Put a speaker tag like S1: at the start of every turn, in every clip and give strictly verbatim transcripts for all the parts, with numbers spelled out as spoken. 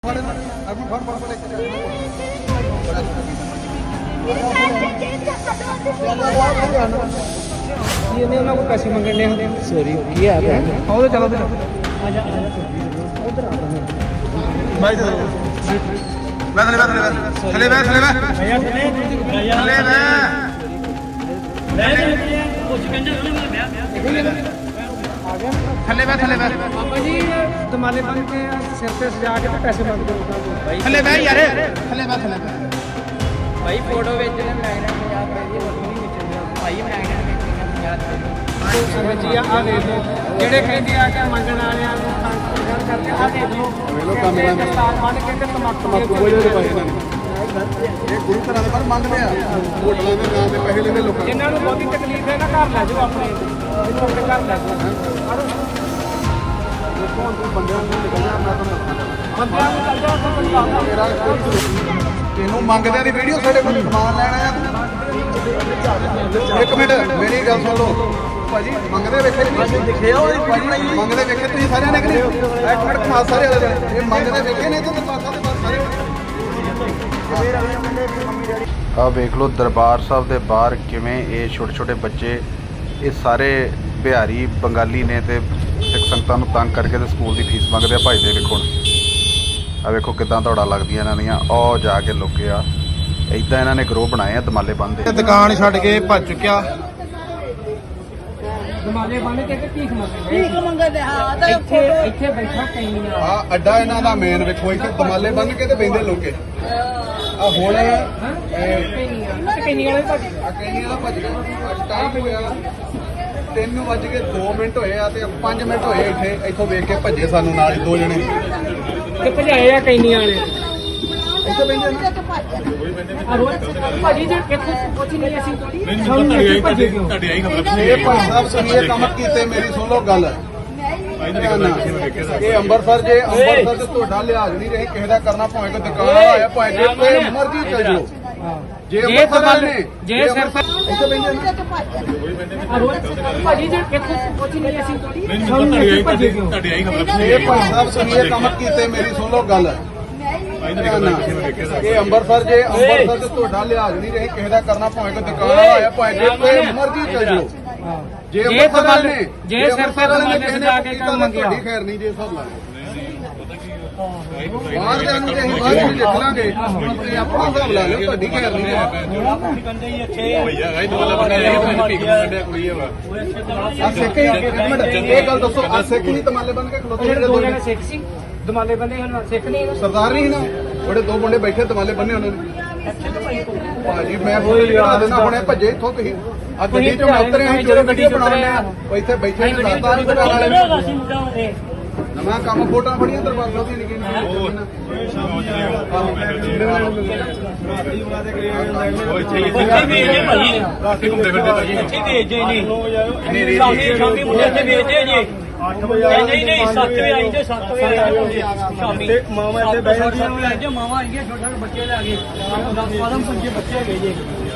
S1: अभी फर फर लेके ये नहीं ना कोई पैसे मंगने होते सॉरी ये आ गया आओ चलो चलो आजा उधर आ भाई चलो बैठ ले बैठ ले चले बैठ चले बैठ भैया चले चले बैठ कुछ कंजर होने वाला भैया थले बैठ थले बैठ पापा जी दमाले बन के सिर पे सजा के पैसे मांगते हो भाई थले बैठ यार थले बैठ थले बैठ भाई फोटो भेजने लगना पंजाब रुपए ਦੀ ਹੋਰ ਨਹੀਂ ਵੇਚਣਾ ਭਾਈ ਮੈਗਨੇਟ ਵੇਚਣਾ ਪੰਜਾਹ ਰੁਪਏ ਸੰਗਤ ਜੀ ਆ ਦੇਖ ਲਓ ਜਿਹੜੇ ਕਹਿੰਦੇ ਆ ਕਿ ਮੰਗਣ ਵਾਲਿਆਂ ਨੂੰ ਤੰਗ ਕਰਕੇ ਆ ਦੇਖ ਲਓ ਵੇਖ ਲਓ ਕੰਮ ਕਰਦੇ ਸਟਾਰ ਮੰਨ ਕੇ ਤੇ ਤਮਾਕੂ ਬੋਲੇ ਦੇ ਪੈਸੇ ਇਹਨਾਂ ਨੇ ਇਹ ਗੁਰੂ ਘਰਾਂ ਦੇ ਪਰ ਮੰਗਦੇ ਆ ਹੋਟਲਾਂ ਦੇ ਨਾਂ ਤੇ ਪੈਸੇ ਲੈਂਦੇ ਲੋਕਾਂ ਜਿਨ੍ਹਾਂ ਨੂੰ ਬਹੁਤੀ ਤਕਲੀਫ ਹੈ ਨਾ ਘਰ ਲੈ ਜਾਓ ਆਪਣੇ ਇਹਨੂੰ ਆਪਣੇ ਘਰ ਲੈ ਜਾਓ ਦੇਖੋ ਹੁਣ ਤੁਸੀਂ ਬੰਦਿਆਂ ਨੂੰ ਨਿਕਲਣਾ ਮੈਂ ਤੁਹਾਨੂੰ ਬੰਦਿਆਂ ਨੂੰ ਚੱਲ ਜਾਓ ਤਾਂ ਬੰਦਾ ਮੇਰਾ ਤੈਨੂੰ ਮੰਗਦਿਆਂ ਦੀ ਵੀਡੀਓ ਸਾਡੇ ਕੋਲ ਸਮਾਨ ਲੈਣ ਆਇਆ ਇੱਕ ਮਿੰਟ ਮੇਰੀ ਗੱਲ ਸੁਣ ਲਓ ਭਾਜੀ ਮੰਗਦੇ ਵੇਖੇ ਨਹੀਂ ਦਿਖਿਆ ਉਹ ਮੰਗਦੇ ਵੇਖੇ ਤੁਸੀਂ ਸਾਰਿਆਂ ਨੇ ਕਿ ਨਹੀਂ ਇੱਕ ਮਿੰਟ ਕਮਾਲ ਸਾਰੇ ਵਾਲੇ ਇਹ ਮੰਗਦੇ ਵੇਖੇ ਨਹੀਂ ਤਾਂ ਪਾਸਾ ਦੇ ਬਾਹਰ ਸਾਰੇ
S2: ਆ ਵੇਖ ਲਓ ਦਰਬਾਰ ਸਾਹਿਬ ਦੇ ਬਾਹਰ ਕਿਵੇਂ ਇਹ ਛੋਟੇ ਛੋਟੇ ਬੱਚੇ ਇਹ ਸਾਰੇ ਬਿਹਾਰੀ ਬੰਗਾਲੀ ਨੇ ਤੇ ਸਿੱਖ ਸੰਗਤਾਂ ਨੂੰ ਤੰਗ ਕਰਕੇ ਤੇ ਸਕੂਲ ਦੀ ਫੀਸ ਮੰਗਦੇ ਆ ਭਜਦੇ ਵੇਖੋ ਆ ਵੇਖੋ ਕਿਦਾਂ ਦੌੜਾ ਲੱਗਦੀਆਂ ਇਹਨਾਂ ਦੀਆਂ ਉਹ ਜਾ ਕੇ ਲੁਕੇ ਆ ਇਦਾਂ ਇਹਨਾਂ ਨੇ ਗਰੋਹ ਬਣਾਏ ਆ ਦਮਾਲੇ ਬੰਨ੍ਹਦੇ
S1: ਦੁਕਾਨ ਛੱਡ ਕੇ ਭੱਜ ਚੁੱਕਿਆ ਦਮਾਲੇ ਬੰਨ ਕੇ ਤੇ ਭੀਖ ਮੰਗਦੇ ਭੀਖ ਮੰਗਦੇ ਹਾਂ ਤਾਂ ਇੱਥੇ ਇੱਥੇ ਬੈਠਾ ਕਈਆਂ ਆ ਅੱਡਾ ਇਹਨਾਂ ਦਾ ਮੇਨ ਵੇਖੋ ਇੱਥੇ ਦਮਾਲੇ ਬੰਨ ਕੇ ਤੇ ਬੈਂਦੇ ਲੋਕੇ ਆ ਹੁਣ ਕਈਆਂ ਕਈਆਂ ਵਾਲੇ ਭੱਜ ਆ ਕਈਆਂ ਵਾਲਾ ਭੱਜ ਗਿਆ ਟਾਈਮ ਹੋਇਆ ਤਿੰਨ ਵੱਜ ਕੇ ਦੋ ਮਿੰਟ ਹੋਏ ਆ ਤੇ ਪੰਜ ਮਿੰਟ ਹੋਏ ਇੱਥੇ ਇੱਥੋਂ ਵੇਖ ਕੇ ਭੱਜੇ ਸਾਨੂੰ ਨਾਲ ਦੋ ਜਣੇ ਤੇ ਭਜਾਏ ਆ ਕਈਆਂ ਵਾਲੇ ਇੱਥੇ ਬੈਂਦੇ ਭਾਜੀ ਜੇ ਕਿੱਥੇ ਕੁਝ ਨਹੀਂ ਅਸੀਂ ਤੁਹਾਡੀ ਆਈ ਖਬਰ ਇਹ ਭਾਈ ਸਾਹਿਬ ਸੁਣੀਏ ਕੰਮ ਕੀਤੇ ਮੇਰੀ ਸੁਣ ਲਓ ਗੱਲ ਇਹ ਅੰਮ੍ਰਿਤਸਰ ਜੇ ਅੰਮ੍ਰਿਤਸਰ ਤੇ ਤੁਹਾਡਾ ਲਿਹਾਜ਼ ਨਹੀਂ ਰਹੇ ਕਿਸੇ ਦਾ ਕਰਨਾ ਭਾਵੇਂ ਕੋਈ ਦੁਕਾਨ ਵਾਲਾ ਆਇਆ ਭਾਵੇਂ ਜਿੱਥੇ ਮਰਜ਼ੀ ਚੱਲ ਜਾਓ ਜੇ ਅੰਮ੍ਰਿਤਸਰ ਨੇ ਜੇ ਸਿਰ ਤੇ ਇੱਥੇ ਬੈਂਦੇ ਭਾਜੀ ਜੇ ਕਿੱਥੇ ਕੁਝ ਨਹੀਂ ਅਸੀਂ ਤੁਹਾਡੀ ਆਈ ਖਬਰ ਇਹ ਭਾਈ ਸਾਹਿਬ ਸੁਣੀਏ ਕੰਮ ਕੀਤੇ ਮੇਰੀ ਸੁਣ ਲਓ ਗੱਲ ਇਹ ਅੰਮ੍ਰਿਤਸਰ ਜੇ ਅੰਮ੍ਰਿਤਸਰ ਤੇ ਤੁਹਾਡਾ ਲਿਹਾਜ਼ ਨਹੀਂ ਰਹੇ ਕਿਸੇ ਦਾ ਕਰਨਾ ਭਾਵੇਂ ਕੋਈ ਦੁਕਾਨ ਵਾਲਾ ਆਇਆ ਭਾਵੇਂ ਜਿੱਥੇ ਮਰਜ਼ੀ ਚੱਲ ਜਾਓ ਜੇ ਅੰਮ੍ਰਿਤਸਰ ਨੇ ਜੇ ਸਿਰ ਤੇ ਕਿਸੇ ਨੇ ਕੀਤਾ ਮੰਗਿਆ ਤੁਹਾਡੀ ਖੈਰ ਨਹੀਂ ਜੇ ਸਭ ਲਾ ਬਾਹਰ ਦੇ ਨੂੰ ਜੇ ਅਸੀਂ ਬਾਹਰ ਨਹੀਂ ਲਿਖ ਲਾਂਗੇ ਤੁਸੀਂ ਆਪਣਾ ਹਿਸਾਬ ਲਾ ਲਓ ਤੁਹਾਡੀ ਖੈਰ ਨਹੀਂ ਆ ਸਿੱਖ ਹੀ ਇੱਕ ਮਿੰਟ ਇਹ ਗੱਲ ਦੱਸੋ ਆ ਸਿੱਖ ਨਹੀਂ ਤਮਾਲੇ ਬਣ ਕੇ ਖਲੋਤੇ ਜਿਹੜੇ ਦੋ ਜਣੇ ਸਿੱਖ ਸੀ ਦਮਾਲੇ ਬੰਨੇ ਹਨ ਸਿੱਖ ਨਹੀਂ ਸਰਦਾਰ ਨਹੀਂ ਨਾ ਬੜੇ ਦੋ ਮੁੰਡੇ ਬੈਠੇ ਦਮਾਲੇ ਬੰਨੇ ਉਹਨਾਂ ਨੇ ਭਾਜੀ ਮੈਂ ਫੋਨ ਲਿਆ ਦੇਣਾ ਹੁਣੇ ਭੱਜੇ ਇੱਥੋਂ ਤੁਸੀਂ ਆ ਗੱਡੀ ਚੋਂ ਉਤਰੇ ਅਸੀਂ ਜਿਹੜੇ ਗੱਡੀ ਬਣਾਉਣੇ ਆ ਇੱਥੇ ਬੈਠੇ ਨੇ ਸਰਦਾਰ ਨੂੰ ਦੁਕਾਨ ਵਾਲੇ ਨਵਾਂ ਕੰਮ ਫੋਟੋਆਂ ਫੜੀਆਂ ਦਰਬਾਰ ਸਾਹਿਬ ਦੀ ਨਿੱਕੀ
S3: ਅੱਠ ਵਜੇ ਨਹੀਂ ਨਹੀਂ ਸੱਤ ਵਜੇ ਆਈ ਜੇ ਸੱਤ ਵਜੇ ਆਈ ਸ਼ਾਮੀ ਮਾਵਾਂ ਇੱਥੇ ਬਹਿ ਜਾਂਦੀਆਂ ਜੇ ਮਾਵਾਂ ਆਈਆਂ ਛੋਟੇ ਛੋਟੇ ਬੱਚੇ ਲੈ ਕੇ ਦਸ ਬਾਰਾਂ ਪੰਜੇ ਬੱਚੇ ਹੈਗੇ ਜੇ